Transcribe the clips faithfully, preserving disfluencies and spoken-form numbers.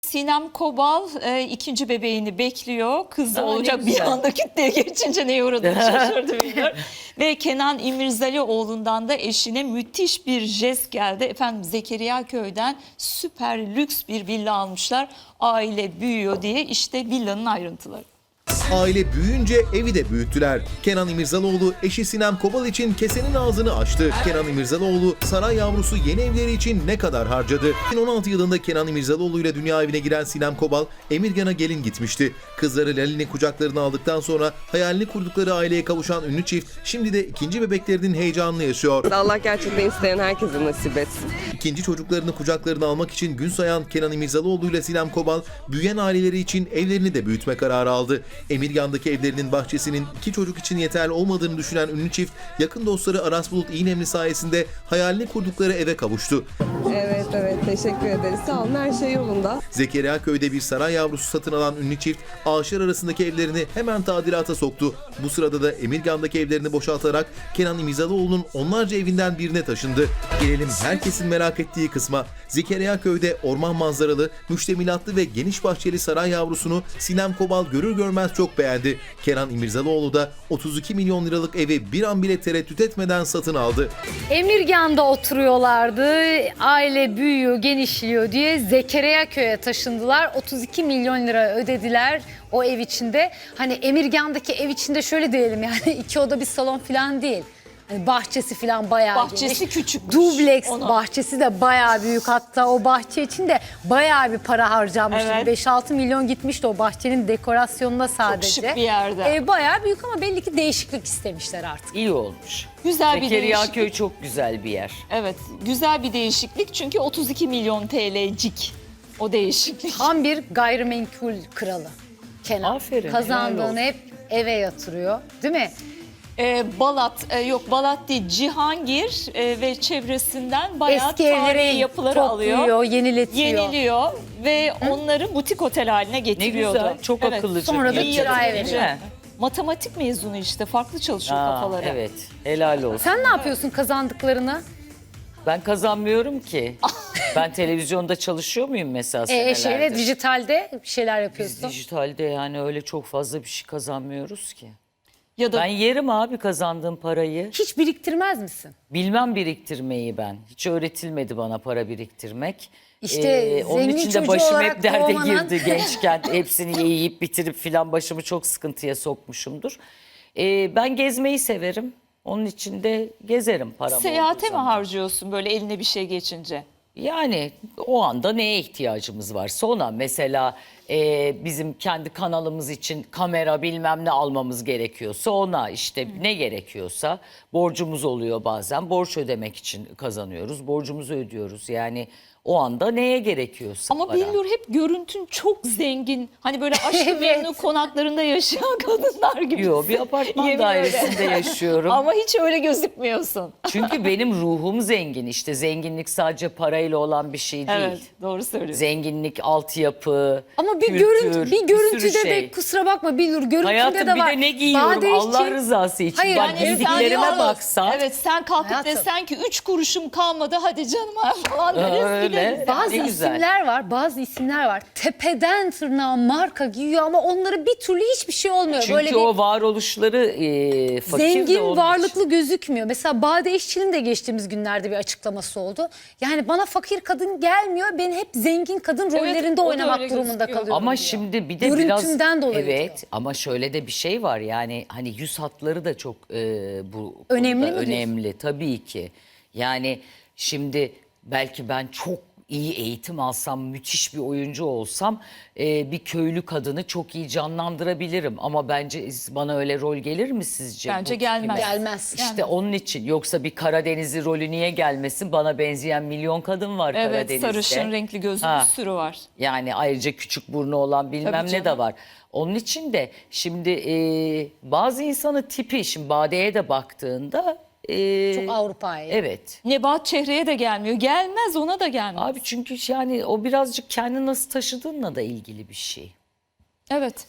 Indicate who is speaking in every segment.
Speaker 1: Sinem Kobal e, ikinci bebeğini bekliyor. Kız
Speaker 2: Aa,
Speaker 1: olacak
Speaker 2: ne
Speaker 1: bir
Speaker 2: güzel.
Speaker 1: anda kütleye geçince neye uğradığını şaşırdı bilmiyorum. Ve Kenan İmirzalıoğlu'ndan da eşine müthiş bir jest geldi. Efendim Zekeriya Köy'den süper lüks bir villa almışlar. Aile büyüyor diye, işte villanın ayrıntıları.
Speaker 3: Aile büyüyünce evi de büyüttüler. Kenan İmirzalıoğlu eşi Sinem Kobal için kesenin ağzını açtı. Kenan İmirzalıoğlu saray yavrusu yeni evleri için ne kadar harcadı? iki bin on altı yılında Kenan İmirzalıoğlu ile dünya evine giren Sinem Kobal, Emirgan'a gelin gitmişti. Kızları Lalin'i kucaklarına aldıktan sonra hayalini kurdukları aileye kavuşan ünlü çift şimdi de ikinci bebeklerinin heyecanını yaşıyor.
Speaker 4: Allah gerçekten isteyen herkese nasip etsin.
Speaker 3: İkinci çocuklarını kucaklarına almak için gün sayan Kenan İmirzalıoğlu ile Sinem Kobal, büyüyen aileleri için evlerini de büyütme kararı aldı. Emirgan'daki evlerinin bahçesinin iki çocuk için yeterli olmadığını düşünen ünlü çift, yakın dostları Aras Bulut İynemli sayesinde hayalini kurdukları eve kavuştu.
Speaker 4: Evet evet teşekkür ederiz. Sağ olun, her şey yolunda.
Speaker 3: Zekeriya Köy'de bir saray yavrusu satın alan ünlü çift, ağaçlar arasındaki evlerini hemen tadilata soktu. Bu sırada da Emirgan'daki evlerini boşaltarak Kenan İmirzalıoğlu'nun onlarca evinden birine taşındı. Gelelim herkesin merak ettiği kısma. Zekeriya Köy'de orman manzaralı, müştemilatlı ve geniş bahçeli saray yavrusunu Sinem Kobal görür görmez çok beğendi. Kenan İmirzalıoğlu da otuz iki milyon liralık evi bir an bile tereddüt etmeden satın aldı.
Speaker 2: Emirgan'da oturuyorlardı. Aile büyüyor, genişliyor diye Zekeriya Köy'e taşındılar. otuz iki milyon lira ödediler o ev içinde. Hani Emirgan'daki ev içinde şöyle diyelim, yani iki oda bir salon falan değil. Hani bahçesi falan bayağı
Speaker 1: Bahçesi
Speaker 2: geniş.
Speaker 1: küçükmüş.
Speaker 2: Dubleks
Speaker 1: Onu-
Speaker 2: bahçesi de bayağı büyük. Hatta o bahçe için de bayağı bir para harcanmış.
Speaker 1: Evet.
Speaker 2: beş altı milyon gitmişti o bahçenin dekorasyonuna sadece.
Speaker 1: şık bir yerde.
Speaker 2: Ev bayağı büyük ama belli ki değişiklik istemişler artık.
Speaker 5: İyi olmuş.
Speaker 1: Güzel bir
Speaker 5: Zekeriya
Speaker 1: değişiklik.
Speaker 5: Köy çok güzel bir yer.
Speaker 1: Evet, güzel bir değişiklik çünkü otuz iki milyon T L'cik o değişiklik.
Speaker 2: Tam bir gayrimenkul kralı Kenan.
Speaker 5: Aferin, helal
Speaker 2: Kazandığını
Speaker 5: olsun.
Speaker 2: hep eve yatırıyor, değil mi?
Speaker 1: Ee, Balat, e, yok Balat değil, Cihangir e, ve çevresinden bayağı
Speaker 2: Eski
Speaker 1: tarihi
Speaker 2: evleri
Speaker 1: yapıları alıyor.
Speaker 2: topluyor, yeniletiyor.
Speaker 1: Yeniliyor ve onları butik otel haline
Speaker 5: Ne
Speaker 1: getiriyordu.
Speaker 5: güzel, çok
Speaker 1: Evet.
Speaker 5: akıllıca.
Speaker 2: Sonra da
Speaker 5: bir
Speaker 2: kiraya
Speaker 5: yatırım,
Speaker 2: veriyor.
Speaker 5: değil mi?
Speaker 1: Matematik mezunu işte, farklı çalışıyor
Speaker 5: Aa,
Speaker 1: kafaları.
Speaker 5: evet, helal olsun.
Speaker 2: Sen ne yapıyorsun kazandıklarını?
Speaker 5: Ben kazanmıyorum ki. Ben televizyonda çalışıyor muyum mesela
Speaker 2: E,
Speaker 5: senelerdir?
Speaker 2: şeyle dijitalde bir şeyler
Speaker 5: Biz
Speaker 2: yapıyorsun.
Speaker 5: dijitalde yani öyle çok fazla bir şey kazanmıyoruz ki.
Speaker 1: Ya da
Speaker 5: Ben yerim abi kazandığım parayı.
Speaker 2: Hiç biriktirmez misin?
Speaker 5: Bilmem biriktirmeyi ben. Hiç öğretilmedi bana para biriktirmek.
Speaker 2: İşte
Speaker 5: onun
Speaker 2: zengin
Speaker 5: için de
Speaker 2: çocuğu
Speaker 5: başım
Speaker 2: olarak
Speaker 5: hep derde
Speaker 2: doğmanın-
Speaker 5: girdi gençken. Hepsini yiyip bitirip filan başımı çok sıkıntıya sokmuşumdur. Ee, ben gezmeyi severim. Onun için de gezerim param olduğu
Speaker 1: seyahate mi
Speaker 5: zaman.
Speaker 1: harcıyorsun böyle eline bir şey geçince?
Speaker 5: Yani o anda neye ihtiyacımız varsa ona. Mesela e, bizim kendi kanalımız için kamera bilmem ne almamız gerekiyorsa ona, işte ne gerekiyorsa, borcumuz oluyor bazen. Borç ödemek için kazanıyoruz. Borcumuzu ödüyoruz. Yani o anda neye gerekiyorsa
Speaker 1: Ama
Speaker 5: para.
Speaker 1: Billur hep görüntün çok zengin. Hani böyle aşk
Speaker 2: Evet.
Speaker 1: memnu konaklarında yaşayan kadınlar gibi.
Speaker 5: Yok, bir apartman
Speaker 1: Yemin
Speaker 5: dairesinde
Speaker 1: öyle.
Speaker 5: yaşıyorum.
Speaker 1: Ama hiç öyle gözükmüyorsun.
Speaker 5: Çünkü benim ruhum zengin. İşte zenginlik sadece parayla olan bir şey değil.
Speaker 1: Evet, doğru söylüyorsun.
Speaker 5: Zenginlik, altyapı,
Speaker 2: Ama bir
Speaker 5: kültür,
Speaker 2: görüntü, bir
Speaker 5: sürü
Speaker 2: görüntüde
Speaker 5: şey.
Speaker 2: de kusura bakma Bilur, görüntüde
Speaker 5: Hayatım
Speaker 2: de
Speaker 5: bir
Speaker 2: var.
Speaker 5: de ne giyiyorum
Speaker 2: Bade
Speaker 5: Allah
Speaker 2: işçi-
Speaker 5: rızası için.
Speaker 2: Hayır,
Speaker 5: Bak
Speaker 2: yani
Speaker 5: giydiklerime
Speaker 1: sen-
Speaker 5: baksan.
Speaker 1: Evet, sen kalkıp
Speaker 2: Hayatım.
Speaker 1: desen ki üç kuruşum kalmadı hadi canım falan deriz
Speaker 5: Öyle.
Speaker 1: gideriz.
Speaker 2: Bazı
Speaker 5: Ne güzel.
Speaker 2: isimler var, bazı isimler var. Tepeden tırnağa marka giyiyor ama onlara bir türlü hiçbir şey olmuyor.
Speaker 5: Çünkü
Speaker 2: Böyle bir
Speaker 5: o varoluşları e, fakir de
Speaker 2: zengin,
Speaker 5: onun
Speaker 2: varlıklı
Speaker 5: için.
Speaker 2: gözükmüyor. Mesela Bade İşçi'nin de geçtiğimiz günlerde bir açıklaması oldu. Yani bana fakir kadın gelmiyor, ben hep zengin kadın rollerinde
Speaker 1: o da
Speaker 2: oynamak
Speaker 1: öyle
Speaker 2: durumunda
Speaker 1: gözüküyor.
Speaker 2: kalıyorum
Speaker 5: Ama
Speaker 2: diyor.
Speaker 5: şimdi bir de biraz
Speaker 2: Görüntümden dolayı
Speaker 5: evet
Speaker 2: diyor.
Speaker 5: ama şöyle de bir şey var, yani hani yüz hatları da çok e, bu
Speaker 2: Önemli
Speaker 5: konuda
Speaker 2: mi diyorsun?
Speaker 5: önemli tabii ki. Yani şimdi belki ben çok iyi eğitim alsam, müthiş bir oyuncu olsam e, bir köylü kadını çok iyi canlandırabilirim. Ama bence bana öyle rol gelir mi sizce?
Speaker 1: Bence
Speaker 5: Bu
Speaker 1: gelmez.
Speaker 5: gibi?
Speaker 2: Gelmez.
Speaker 5: İşte onun için, yoksa bir Karadenizli rolü niye gelmesin? Bana benzeyen milyon kadın var
Speaker 1: Evet,
Speaker 5: Karadeniz'de.
Speaker 1: sarışın renkli gözlü
Speaker 5: Ha.
Speaker 1: bir sürü var.
Speaker 5: Yani ayrıca küçük burnu olan bilmem
Speaker 1: Tabii
Speaker 5: ne
Speaker 1: canım.
Speaker 5: de var. Onun için de şimdi e, bazı insanın tipi, şimdi Bade'ye de baktığında e,
Speaker 2: Çok Avrupa'yı.
Speaker 5: evet.
Speaker 1: Nebahat Çehre'ye de gelmiyor. Gelmez, ona da gelmez.
Speaker 5: Abi çünkü yani o birazcık kendini nasıl taşıdığınla da ilgili bir şey.
Speaker 1: Evet.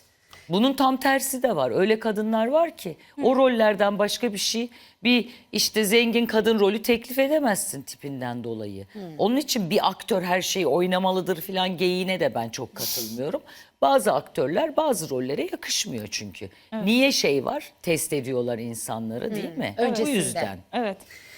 Speaker 5: Bunun tam tersi de var. Öyle kadınlar var ki o rollerden başka bir şey, bir işte zengin kadın rolü teklif edemezsin tipinden dolayı. Onun için bir aktör her şeyi oynamalıdır falan geyiğine de ben çok katılmıyorum. Bazı aktörler bazı rollere yakışmıyor çünkü. Niye şey var? Test ediyorlar insanları değil mi? Bu
Speaker 2: Öncesinde.
Speaker 5: yüzden.
Speaker 1: Evet.